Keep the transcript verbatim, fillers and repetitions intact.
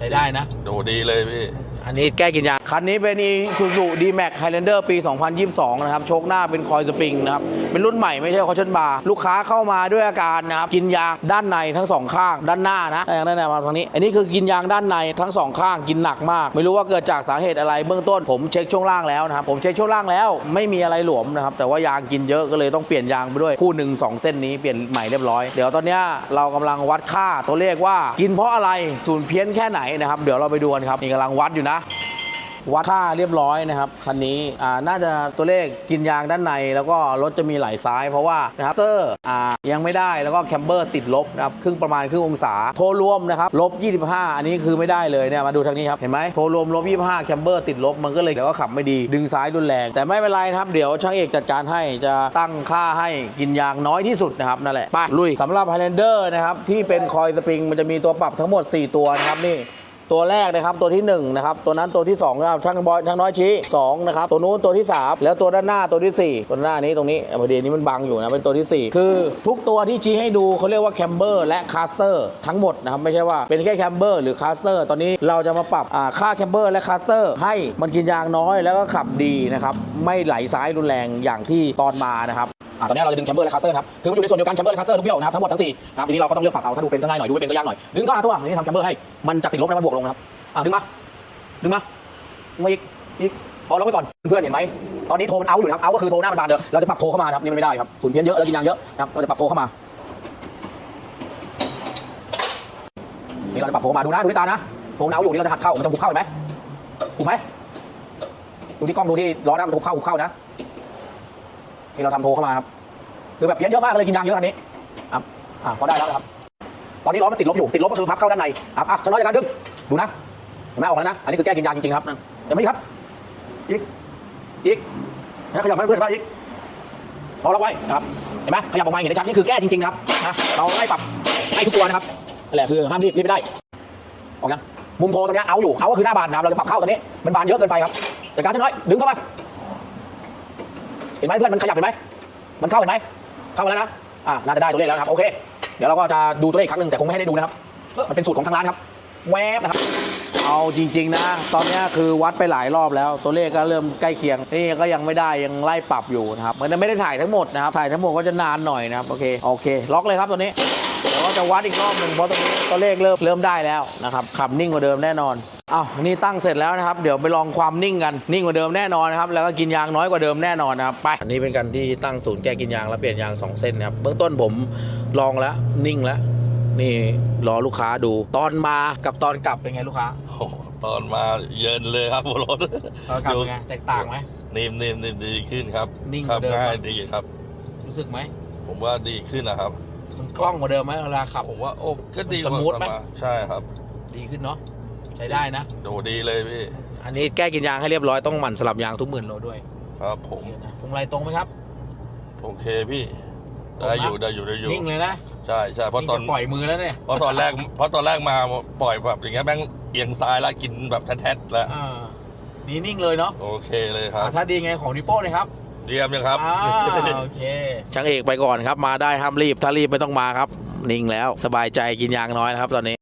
ช้ได้นะดูดีเลยพี่อันนี้แก้กินยางคันนี้เป็น Isuzu D-Max Highlander ปี สองพันยี่สิบสอง นะครับโชคหน้าเป็นคอยสปริงนะครับเป็นรุ่นใหม่ไม่ใช่คอชั่นบาร์ลูกค้าเข้ามาด้วยอาการนะครับกินยางด้านในทั้งสองข้างด้านหน้านะด้านหน้ามาทางนี้อันนี้คือกินยางด้านในทั้งสองข้างกินหนักมากไม่รู้ว่าเกิดจากสาเหตุอะไรเบื้องต้นผมเช็คช่วงล่างแล้วนะครับผมเช็คช่วงล่างแล้วไม่มีอะไรหลวมนะครับแต่ว่ายางกินเยอะก็เลยต้องเปลี่ยนยางไปด้วยคู่หนึ่งสองเส้นนี้เปลี่ยนใหม่เรียบร้อยเดี๋ยวตอนนี้เรากำลังวัดค่าตัวเลขว่ากินเพราะอะไรศูนย์เพี้ยนแค่ไหนนะครับเดี๋ยวเราไปดูกันครับนี่กำลังวัดอยู่นะวัดค่าเรียบร้อยนะครับคันนี้อ่าน่าจะตัวเลขกินยางด้านในแล้วก็รถจะมีไหลซ้ายเพราะว่านะครับเตอร์อ่ายังไม่ได้แล้วก็แคมเบอร์ติดลบนะครับครึ่งประมาณครึ่งองศาโทรรวมนะครับลบยี่สิบห้าอันนี้คือไม่ได้เลยเนี่ยมาดูทางนี้ครับเห็นไหมโทรรวมลบยี่สิบห้าแคมเบอร์ติดลบมันก็เลยเดี๋ยวก็ขับไม่ดีดึงซ้ายรุนแรงแต่ไม่เป็นไรนะครับเดี๋ยวช่างเอกจัดการให้จะตั้งค่าให้กินยางน้อยที่สุดนะครับนั่นแหละไปลุยสำหรับ Highlander นะครับที่เป็นคอยสปริงมันจะมีตัวปรับทั้งหมดสี่ตัวนะครับนี่ตัวแรกนะครับตัวที่หนึ่งนะครับตัวนั้นตัวที่สองนะครับช่างบอยช่างน้อยชี้สองนะครับตัวนู้นตัวที่สามแล้วตัวด้านหน้าตัวที่สี่ตัวหน้านี้ตรงนี้พอดีนี้มันบังอยู่นะเป็นตัวที่สี่คือทุกตัวที่ชี้ให้ดูเขาเรียกว่าแคมเบอร์และคาสเตอร์ทั้งหมดนะครับไม่ใช่ว่าเป็นแค่แคมเบอร์หรือคาสเตอร์ตอนนี้เราจะมาปรับค่าแคมเบอร์และคาสเตอร์ให้มันกินยางน้อยแล้วก็ขับดีนะครับไม่ไหลซ้ายรุนแรงอย่างที่ตอนมานะครับตอนนี้เราจะดึงแคมเบอร์และคาสเตอร์ครับคือมันอยู่ในส่วนเดียวกันแคมเบอร์และคาสเตอร์ทุกเบี้ยวนะครับทั้งหมดทั้งสี่ครับทีนี้เราก็ต้องเลือกปรับเอาถ้าดูเป็นก็ง่ายหน่อยดูไม่เป็นก็ยากหน่อยดึงก็หาตัวนี่ทำแคมเบอร์ให้มันจะติดลบแล้วมันบวกลงนะครับอ่ะดึงมาดึงมาดึงมาอีกอีกพอเราไว้ก่อนเพื่อนเห็นไหมตอนนี้โทรมันเอาอยู่นะครับเอาก็คือโทรหน้ามันบานเดียวเราจะปรับโทรเข้ามาครับนี่มันไม่ได้ครับฝุ่นเพี้ยนเยอะแล้วกินยางเยอะนะครับเราจะปรับโทรเข้ามานี่เราจะปรับโทรมาดูนะดูที่ตานะโทรเอาอยู่นี่เราจะหัดเข้ามันจะหุบเข้าเห็นไหมหุบไหมดูที่กล้องดูที่ล้อหน้ามันหุบเข้าหุบเข้านะนี่เราทำโทรเข้ามาครับคือแบบเพี้ยนเยอะมากเลยกินยางเยอะอันนี้ครับอ่ะพอได้แล้วนะครับตอนนี้ล้อมันติดลบอยู่ติดลบก็คือพับเข้าด้านในครับอ่ะจะน้อยจากการดึงดูนะเห็นไหมออกแล้วนะอันนี้คือแก้กินยางจริงๆครับเดี๋ยวไม่ครับอีกอีกนะขยับให้เพื่อนบ้างอีกพอเราไว้นะครับเห็นไหมขยับออกมาเห็นได้ชัดนี่คือแก้จริงๆครับนะเราไล่ปรับให้ทุกตัวนะครับนั่นแหละคือห้ามรีบรีบไม่ได้ออกยังมุมโทรตรงนี้เอาอยู่เอาก็คือหน้าบานนะครับเราจะปรับเข้าตรงนี้มันบานเยอะเกินไปครับแต่การจะน้อยดึงเข้ามาเห็นไหมเพื่อนมันขยับเห็นไหมมันเข้าเห็นไหมเข้ามาแล้วนะอ่าน่าจะได้ตัวเลขแล้วครับโอเคเดี๋ยวเราก็จะดูตัวเลขครั้งหนึ่งแต่คงไม่ให้ได้ดูนะครับมันเป็นสูตรของทางร้านครับแวบนะครับเอาจริงๆนะตอนนี้คือวัดไปหลายรอบแล้วตัวเลขก็เริ่มใกล้เคียงนี่ก็ยังไม่ได้ยังไล่ปรับอยู่นะครับมันไม่ได้ถ่ายทั้งหมดนะครับถ่ายทั้งหมดก็จะนานหน่อยนะครับโอเคโอเคล็อกเลยครับตัวนี้เดี๋ยวก็จะวัดอีกรอบหนึ่งเพราะตรงนี้ตัวเลขเริ่มเริ่มได้แล้วนะครับขับนิ่งกว่าเดิมแน่นอนอ้าวนี่ตั้งเสร็จแล้วนะครับเดี๋ยวไปลองความนิ่งกันนิ่งกว่าเดิมแน่นอนนะครับแล้วก็กินยางน้อยกว่าเดิมแน่นอนนะครับไปอันนี้เป็นการที่ตั้งศูนย์แก้กินยางแล้วเปลี่ยนยางสองเส้นนะครับเบื้องต้นผมลองแล้วนิ่งแล้วนี่รอลูกค้าดูตอนมากับตอนกลับเป็นไงลูกค้าตอนมาเยินเลยครับรถตอนกลับเป็นไงแตกต่างไหมนิ่มนิ่มนิ่มดีขึ้นครับนิ่งขับง่ายดีครับรู้สึกไหมผมว่าดีขึ้นนะครับมันคล่องกว่าเดิมไหมเวลาขับผมว่าโอ้ก็ดีสมูทไหมใช่ครับดีขึ้นเนาะใช้ได้นะดูดีเลยพี่อันนี้แก้กินยางให้เรียบร้อยต้องหมั่นสลับยางทุกหมื่นโลด้วยครับผมพวงมาลัยตรงไหมครับโอเคพี่ได้อยู่ได้อยู่ได้อยู่นิ่งเลยนะใช่ใช่เพราะตอนปล่อยมือแล้วเนี่ยเพราะตอนแรกเพราะตอนแรกมาปล่อยแบบอย่างเงี้ยแม่งเอียงซ้ายแล้วกินแบบแท้ๆแล้วนี่นิ่งเลยเนาะโอเคเลยครับถ้าดีไงของนิโป้เลยครับเรียมยังครับโอเคช่างเอกไปก่อนครับมาได้ห้ามรีบถ้ารีบไม่ต้องมาครับนิ่งแล้วสบายใจกินยางน้อยนะครับตอนนี้